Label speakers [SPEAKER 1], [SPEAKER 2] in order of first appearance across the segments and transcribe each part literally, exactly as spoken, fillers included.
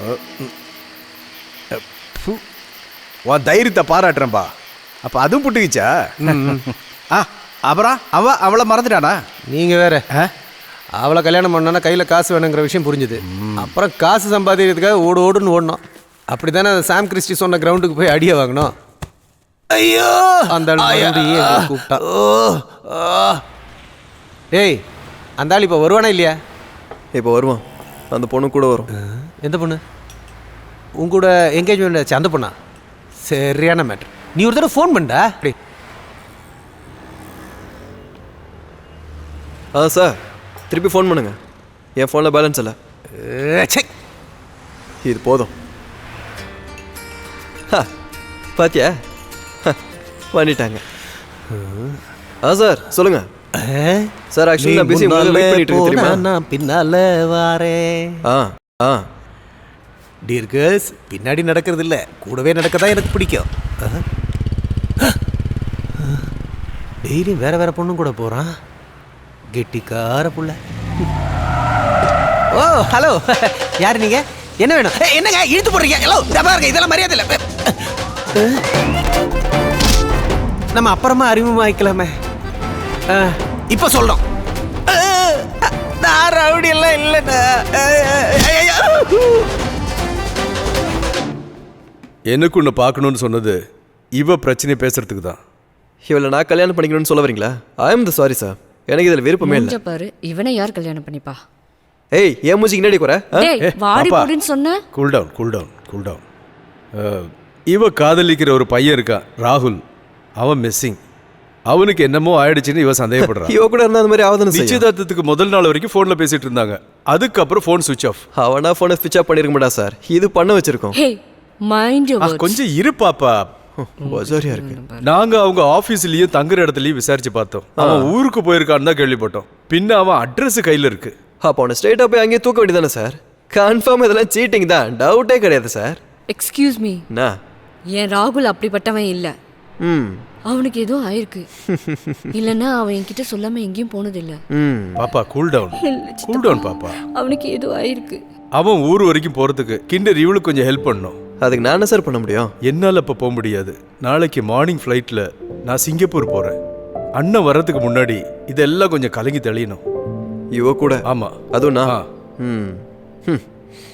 [SPEAKER 1] உன் தைரியத்தை பாராட்டுறேன்பா. அப்போ அதுவும் புட்டுக்கிச்சா? ஆ அப்புறம் அவ அவளை மறந்துட்டானா?
[SPEAKER 2] நீங்கள் வேற அவளை கல்யாணம் பண்ணோன்னா கையில் காசு வேணுங்கிற விஷயம் புரிஞ்சுது. அப்புறம் காசு சம்பாதிக்கிறதுக்காக ஓடு ஓடுன்னு ஓடணும். அப்படி தானே சாம் கிறிஸ்டி சொன்ன கிரவுண்டுக்கு போய் அடியை வாங்கணும்.
[SPEAKER 1] ஐயோ
[SPEAKER 2] அந்த கூப்பிட்டா. டேய் அந்த ஆள் இப்போ வருவானா இல்லையா?
[SPEAKER 3] இப்போ வருவான். அந்த பொண்ணு கூட வரும்.
[SPEAKER 2] எந்த பொண்ணு? உங்க கூட என்கேஜ்மெண்ட் ஆச்சு அந்த பொண்ணா? சரியான மேட்ரு. நீ ஒரு தடவை ஃபோன் பண்ணா? அப்படி
[SPEAKER 3] ஆ சார் திருப்பி ஃபோன் பண்ணுங்க. என் ஃபோனில் பேலன்ஸ் இல்லை. இது போதும். பாத்தியா பண்ணிட்டாங்க. ஆ சார் சொல்லுங்க சார். ஆக்சுவலி நான் பிஸி வெயிட் பண்ணிட்டு இருக்கேன் தெரியுமா?
[SPEAKER 2] நான் பின்னால வாரேன்.
[SPEAKER 3] ஆ ஆ
[SPEAKER 2] டியர் கேர்ள்ஸ், பின்னாடி நடக்கிறது இல்லை, கூடவே நடக்க தான் எனக்கு பிடிக்கும். டெய்லியும் வேற வேற பொண்ணும் கூட போகிறான். கெட்டிக்கார புள்ள. ஓ ஹலோ, யார் நீங்க? என்ன வேணும்? என்னங்க இழுத்து போடுறீங்க? ஹலோ பாருங்க, இதெல்லாம் மரியாதை இல்லை. நம்ம அப்புறமா அறிமுகமாக்கலாமே. இப்போ சொல்றோம். நான் ரவுடி எல்லாம் இல்லைண்ணா.
[SPEAKER 1] எனக்கு ஒன்று பார்க்கணுன்னு சொன்னது இவ பிரச்சனை பேசுறதுக்கு தான்.
[SPEAKER 3] இவளை நான் கல்யாணம் பண்ணிக்கணும்னு சொல்ல வரீங்களா? I am the sorry sir, எனக்கு இதில் விருப்பமே இல்லை.
[SPEAKER 4] பாரு, இவனை யார் கல்யாணம் பண்ணிப்பா?
[SPEAKER 3] ஏய் ஏன் மூஞ்சிக்கு நேடி குறை?
[SPEAKER 4] வாடி போடின்னு சொன்ன.
[SPEAKER 1] Cool down cool down cool down. இவ காதலிக்கிற ஒரு பையன் இருக்கான் ராகுல். அவன் மிஸ்ஸிங். அவனுக்கு என்னமோ ஆயிடுச்சுன்னு இவ சந்தேகப்படுறான்.
[SPEAKER 3] இவ கூட இருந்தா அந்த மாதிரி ஆகுதுன்னு
[SPEAKER 1] நிச்சயதார்த்தத்துக்கு முதல் நாள் வரைக்கும் ஃபோனில் பேசிட்டு இருந்தாங்க. அதுக்கப்புறம் ஃபோன் சுவிச் ஆஃப்.
[SPEAKER 3] அவனா ஃபோனை சுவிச் ஆஃப் பண்ணிருக்க மாட்டா சார், இது பண்ண வச்சிருக்கோம்.
[SPEAKER 1] கொஞ்சம் இரு பாப்பா.
[SPEAKER 3] சரியா இருக்கு.
[SPEAKER 1] நாங்க அவங்க ஆபீஸ்லயும் தங்குற இடத்துலயும் விசாரிச்சு பார்த்தோம். அவன் ஊருக்கு போயிருக்கான்னு தான் கேள்விப்பட்டோம். பின்ன அவன் அட்ரஸ் கையில இருக்கு.
[SPEAKER 3] அப்போ அவனை ஸ்ட்ரெயிட்டா போய் அங்கேயே தூக்க வேண்டியதானே சார்? கன்ஃபார்ம் இதெல்லாம் சீட்டிங் தான், டவுட்டே கிடையாது சார்.
[SPEAKER 4] எக்ஸ்கியூஸ் மீ,
[SPEAKER 3] நான்
[SPEAKER 4] என் ராகுல் அப்படிப்பட்டவன் இல்ல.
[SPEAKER 3] ம்
[SPEAKER 4] அவனுக்கு ஏதோ ஆயிருக்கு. இல்லன்னா அவன் என்கிட்ட சொல்லாம எங்கேயும் போனது இல்ல.
[SPEAKER 3] ம்
[SPEAKER 1] பாப்பா கூல் டவுன் கூல் டவுன் பாப்பா.
[SPEAKER 4] அவனுக்கு ஏதோ ஆயிருக்கு.
[SPEAKER 1] அவன் ஊர் வரைக்கும் போறதுக்கு கிண்டர் இவளுக்கு கொஞ்சம் ஹெல்ப் பண்ணணும்.
[SPEAKER 3] அதுக்கு நான் என்ன சார் பண்ண முடியும்?
[SPEAKER 1] என்னால் இப்போ போக முடியாது. நாளைக்கு மார்னிங் ஃப்ளைட்டில் நான் சிங்கப்பூர் போகிறேன். அண்ணன் வர்றதுக்கு முன்னாடி இதெல்லாம் கொஞ்சம் கலங்கி தெளியணும்.
[SPEAKER 3] இவ கூட?
[SPEAKER 1] ஆமாம்.
[SPEAKER 3] அதுவும் நான். ம் ம்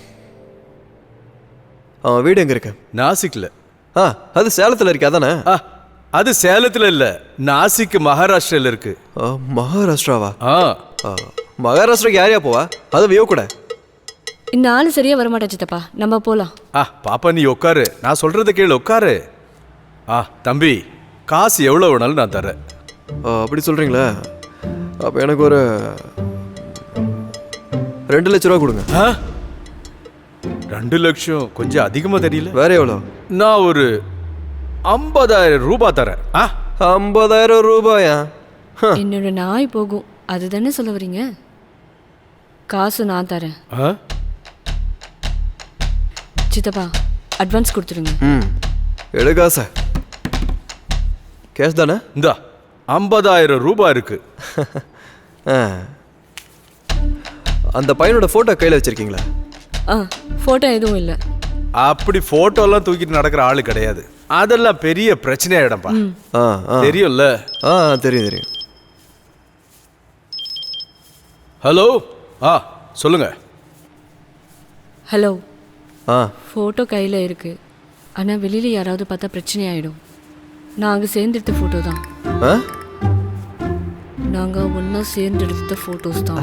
[SPEAKER 3] அவன் வீடு எங்கே இருக்கு?
[SPEAKER 1] நாசிக்கில்.
[SPEAKER 3] ஆ அது சேலத்தில் இருக்கு அதானே?
[SPEAKER 1] ஆ அது சேலத்தில் இல்லை, நாசிக் மகாராஷ்டிராவில் இருக்கு.
[SPEAKER 3] மகாராஷ்டிராவா?
[SPEAKER 1] ஆ
[SPEAKER 3] மகாராஷ்டிராக்கு யாரையா போவா? அது வியோ கூட.
[SPEAKER 4] இந்த ஆளு சரியா வரமாட்டா சித்தப்பா, நம்ம போலாம்.
[SPEAKER 1] ஆ பாப்பா நீ உட்காரு, நான் சொல்றத கேளு, உட்காரு. ஆ தம்பி, காசு எவ்வளோ வேணாலும் நான் தரேன்.
[SPEAKER 3] அப்படி சொல்றீங்களா? அப்போ எனக்கு ஒரு ரெண்டு லட்ச ரூபா கொடுங்க.
[SPEAKER 1] ஆ ரெண்டு லட்சம் கொஞ்சம் அதிகமாக தெரியல.
[SPEAKER 3] வேற எவ்வளோ?
[SPEAKER 1] நான் ஒரு ஐம்பதாயிரம் ரூபாய் தரேன். ஆ
[SPEAKER 3] ஐம்பதாயிரம் ரூபாயா?
[SPEAKER 4] என்னோட நாய் போகும், அதுதானே சொல்ல வரீங்க? காசு நான் தரேன்.
[SPEAKER 1] ஆ
[SPEAKER 4] சித்தப்பா அட்வான்ஸ் கொடுத்துருங்க.
[SPEAKER 3] ம் எடுக்கா சார், கேஷ் தானே?
[SPEAKER 1] இந்தா ஐம்பதாயிரம் ரூபாய் இருக்கு.
[SPEAKER 3] அந்த பையனோட ஃபோட்டோ கையில் வச்சிருக்கீங்களா?
[SPEAKER 4] ஆ ஃபோட்டோ எதுவும் இல்லை.
[SPEAKER 1] அப்படி ஃபோட்டோலாம் தூக்கிட்டு நடக்கிற ஆளு கிடையாது. அதெல்லாம் பெரிய பிரச்சனையாயிடும்பா.
[SPEAKER 3] ஆ
[SPEAKER 1] தெரியும்ல?
[SPEAKER 3] ஆ தெரியும் தெரியும்.
[SPEAKER 1] ஹலோ, ஆ சொல்லுங்க.
[SPEAKER 4] ஹலோ.
[SPEAKER 3] ஆ
[SPEAKER 4] ஃபோட்டோ கையில் இருக்கு, ஆனால் வெளியில் யாராவது பார்த்தா பிரச்சனை ஆகிடும். நாங்கள் சேர்ந்தெடுத்த ஃபோட்டோ தான்.
[SPEAKER 3] ஆ
[SPEAKER 4] நாங்கள் ஒன்றா சேர்ந்தெடுத்த ஃபோட்டோஸ் தான்.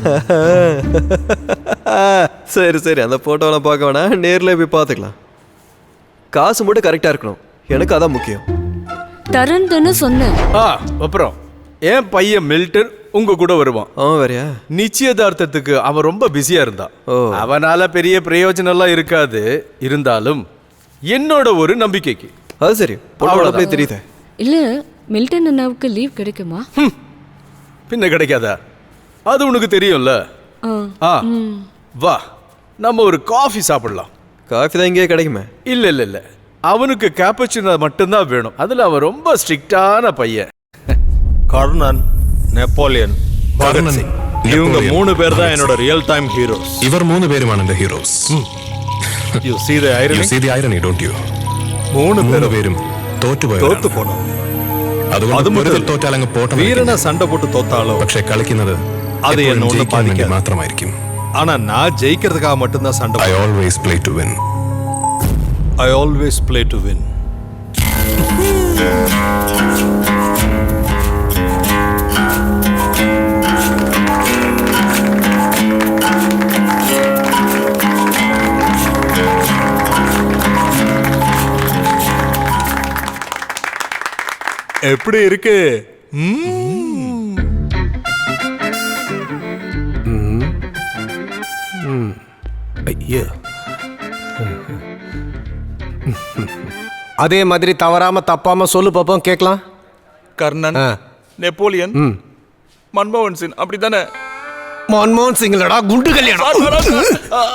[SPEAKER 3] சரி சரி, அந்த ஃபோட்டோலாம் பார்க்க வேணாம், நேரில் போய் பார்த்துக்கலாம். காசு மட்டும் கரெக்டாக இருக்கணும், எனக்கு அதான் முக்கியம்.
[SPEAKER 4] தரேன்னு சொன்னேன்.
[SPEAKER 1] ஆ அப்புறம் என் பையன் மில்டன் உங்க கூட வருவான்.
[SPEAKER 3] அவன் வேறையா?
[SPEAKER 1] நிச்சயதார்த்தத்துக்கு அவன் ரொம்ப பிஸியா இருந்தான். அவனால பெரிய பிரயோஜனம்லாம் இருக்காது, இருந்தாலும் என்னோட ஒரு நம்பிக்கைக்கு.
[SPEAKER 3] அது சரி, போய் தெரியுது.
[SPEAKER 4] இல்லை, மில்டன் அண்ணாவுக்கு லீவ் கிடைக்குமா?
[SPEAKER 1] பின்ன கிடைக்காதா? அது உனக்கு தெரியும்ல. ஆ வா, நம்ம ஒரு காஃபி சாப்பிடலாம்.
[SPEAKER 3] காஃபி தான் இங்கே கிடைக்குமே?
[SPEAKER 1] இல்ல இல்ல இல்ல, அவனுக்கு கேப்பச்சினோ மட்டும்தான் வேணும். அதுல அவன் ரொம்ப ஸ்ட்ரிக்டான பையன்.
[SPEAKER 5] கர்ணன், நெப்போலியன், பகத் சிங், இவங்க மூணு பேர் தான் என்னோட ரியல் டைம் ஹீரோஸ்.
[SPEAKER 6] இவர் மூணு பேருமான இந்த heroes.
[SPEAKER 5] You see the
[SPEAKER 6] You
[SPEAKER 5] irony?
[SPEAKER 6] see the irony, don't you?
[SPEAKER 5] മൂന്ന്
[SPEAKER 6] മൂന്ന്
[SPEAKER 5] പേരും
[SPEAKER 6] പേരും തോറ്റുപോയി
[SPEAKER 5] തോത്തു പോണു.
[SPEAKER 6] അതുകൊണ്ട്
[SPEAKER 5] അതും
[SPEAKER 6] വെറുതെ
[SPEAKER 5] മുതൽ
[SPEAKER 6] തോറ്റാലങ്ങ് പോട്ടെ
[SPEAKER 5] വീരനെ സண்டை போட்டு தோத்தாலோ
[SPEAKER 6] പക്ഷെ കളിക്കുന്നത്
[SPEAKER 5] അത്
[SPEAKER 6] എപ്പോഴും
[SPEAKER 5] എന്നെ ഒന്നും
[SPEAKER 6] ജയിക്കാൻ വേണ്ടി
[SPEAKER 5] ബാധിക്കാതെ.
[SPEAKER 6] മാത്രമായിരിക്കും.
[SPEAKER 5] ஆனா நான் ஜெயிக்கிறதுக்காக மட்டும்தான் சண்டை
[SPEAKER 6] I
[SPEAKER 5] போடுவேன்.
[SPEAKER 6] always play to win.
[SPEAKER 5] I always play to win. எப்படி இருக்கு? ம்ம்.
[SPEAKER 2] ஐயோ அதே மாதிரி தவறாம தப்பாம சொல்லு பாப்போம் கேட்கலாம்.
[SPEAKER 7] கர்ணன்,
[SPEAKER 2] ஆ.
[SPEAKER 7] நெப்போலியன், மன்மோகன் சிங் அப்படித்தானே?
[SPEAKER 2] மன்மோகன் சிங்லடா குண்டு கல்யாணம்.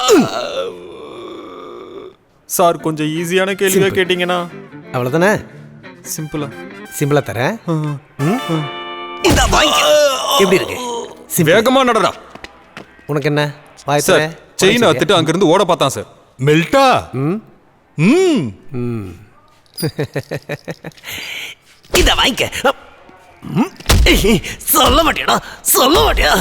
[SPEAKER 7] சார் கொஞ்சம் ஈஸியான கேள்வியா கேட்டீங்கன்னா
[SPEAKER 2] அவ்வளவுதானே,
[SPEAKER 7] சிம்பிளா.
[SPEAKER 2] சிம்பிளா தரேன். இந்த வாங்கி எப்படி இருக்கு? Simple.
[SPEAKER 7] வேகமா நடடா
[SPEAKER 2] உனக்கு என்ன வாய்
[SPEAKER 7] சார்.
[SPEAKER 2] தரேன்.
[SPEAKER 7] செயின் அத்துட்டு அங்கிருந்து ஓட பார்த்தான் சார்.
[SPEAKER 5] மெல்டா? ம்.
[SPEAKER 2] இத வாங்கிக்க. ம். சொல்ல மாட்டியாடா, சொல்ல மாட்டியா?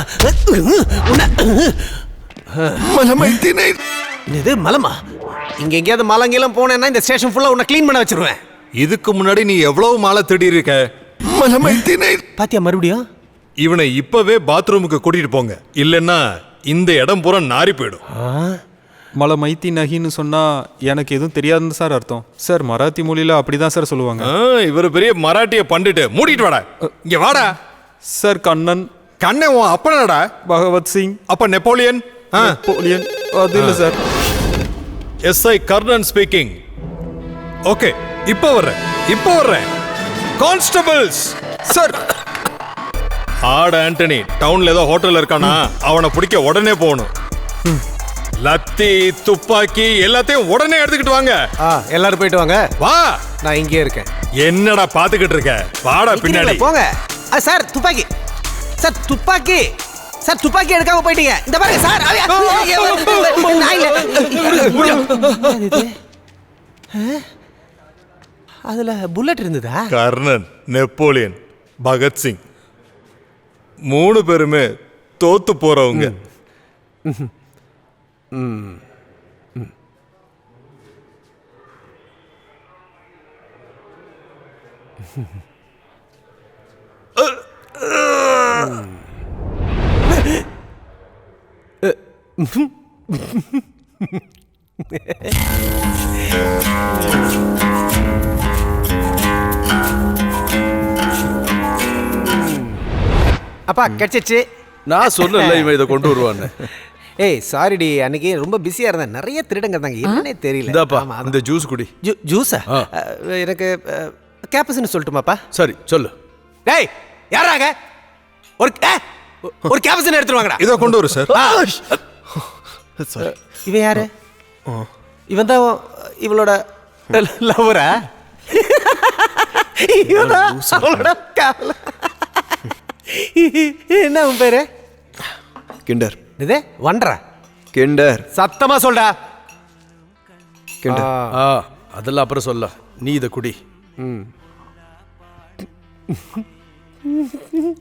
[SPEAKER 5] மலமைத்தினை.
[SPEAKER 2] இது மலமா? இங்க எங்கேயாவது மலங்கெல்லாம் போனேன்னா இந்த ஸ்டேஷன் ஃபுல்லா உன்னை க்ளீன் பண்ண வச்சிருவேன்.
[SPEAKER 5] இதுக்கு முன்னாடி நீ எவ்வளவு மாலை தேடி இருக்க? மலமைத்தினை.
[SPEAKER 2] பாத்தியா மறுபடியும்?
[SPEAKER 5] இவனை இப்பவே பாத்ரூமுக்கு கூட்டிட்டு போங்க, இல்லைன்னா இந்த இடம் பூரா நாரி போயிடும்.
[SPEAKER 7] மலை மைத்தி நகின்னு சொன்னா எனக்கு எதுவும் தெரியாதுன்னு சார் அர்த்தம். சார் மராத்தி மொழியில அப்படிதான் சார் சொல்லுவாங்க.
[SPEAKER 5] ஆ, இவர் பெரிய மராட்டிய பண்டிட்டு மூடிட்டு வாடா. இங்க வாடா.
[SPEAKER 7] சார் கண்ணன்,
[SPEAKER 5] கண்ணே உன் அப்பனடா.
[SPEAKER 7] பகவத் சிங்,
[SPEAKER 5] அப்ப நெப்போலியன். ஆ.
[SPEAKER 7] நெப்போலியன் அது இல்ல sir.
[SPEAKER 5] SI Karnan speaking. Okay, இப்போ வர்றேன், இப்போ வர்றேன். Constables
[SPEAKER 7] sir.
[SPEAKER 5] ஆட ஆண்டனி டவுன்ல ஏதோ ஹோட்டல் இருக்கானா, அவனை பிடிக்க உடனே போகணும். லத்தி துப்பாக்கி எல்லாத்தையும் உடனே எடுத்துக்கிட்டு வாங்க.
[SPEAKER 2] ஆ, எல்லாரும் போயிட்டு வாங்க.
[SPEAKER 5] வா.
[SPEAKER 2] நான் இங்கே இருக்கேன்.
[SPEAKER 5] என்னடா பாத்துக்கிட்டு இருக்க? வாடா பின்னாடி.
[SPEAKER 2] போங்க. ஆ, சார் துப்பாக்கி. சார் துப்பாக்கி. சார் துப்பாக்கி எடுக்காம போயிட்டீங்க. இந்த பாருங்க சார். அவ- நான் இல்ல. ஆ? அதுல புல்லட் இருந்ததா?
[SPEAKER 5] கர்ணன், நெப்போலியன், பகத்சிங் மூணு பேருமே தோத்து போறவங்க.
[SPEAKER 2] அப்பா கிடைச்சிச்சு.
[SPEAKER 1] நான் சொன்னல இவன் இதை கொண்டு வருவான்னு.
[SPEAKER 2] ஏய் சாரிடி, அன்னைக்கு ரொம்ப பிஸியா இருந்தேன். நிறைய திருடங்க தாங்க, என்னன்னே தெரியல.
[SPEAKER 1] இந்தாப்பா
[SPEAKER 2] ஆமா,
[SPEAKER 1] இந்த ஜூஸ் குடி.
[SPEAKER 2] ஜூ- ஜூஸா?
[SPEAKER 1] ஆ.
[SPEAKER 2] அஹ், எனக்கு கேப்பஸ்ன்னு சொல்லட்டுமாப்பா?
[SPEAKER 1] சரி சொல்லு.
[SPEAKER 2] டேய் யாராங்க? ஒரு ஏ, ஒரு கேப்பஸ்ன்னு எடுத்துட்டு வாங்கடா.
[SPEAKER 5] இதை கொண்டு வரு சார்.
[SPEAKER 2] இவன் யாரு? இவன் தான் இவளோட லவரா? இவனா அவளோட காவல? என்ன உன் பேரு?
[SPEAKER 3] கிண்டர்.
[SPEAKER 2] இது வண்டரா?
[SPEAKER 3] கிண்டர்.
[SPEAKER 2] சத்தமா சொல்டா.
[SPEAKER 3] கிண்டர்.
[SPEAKER 1] ஆ அதெல்லாம் அப்புறம் சொல்ல, நீ இதை குடி.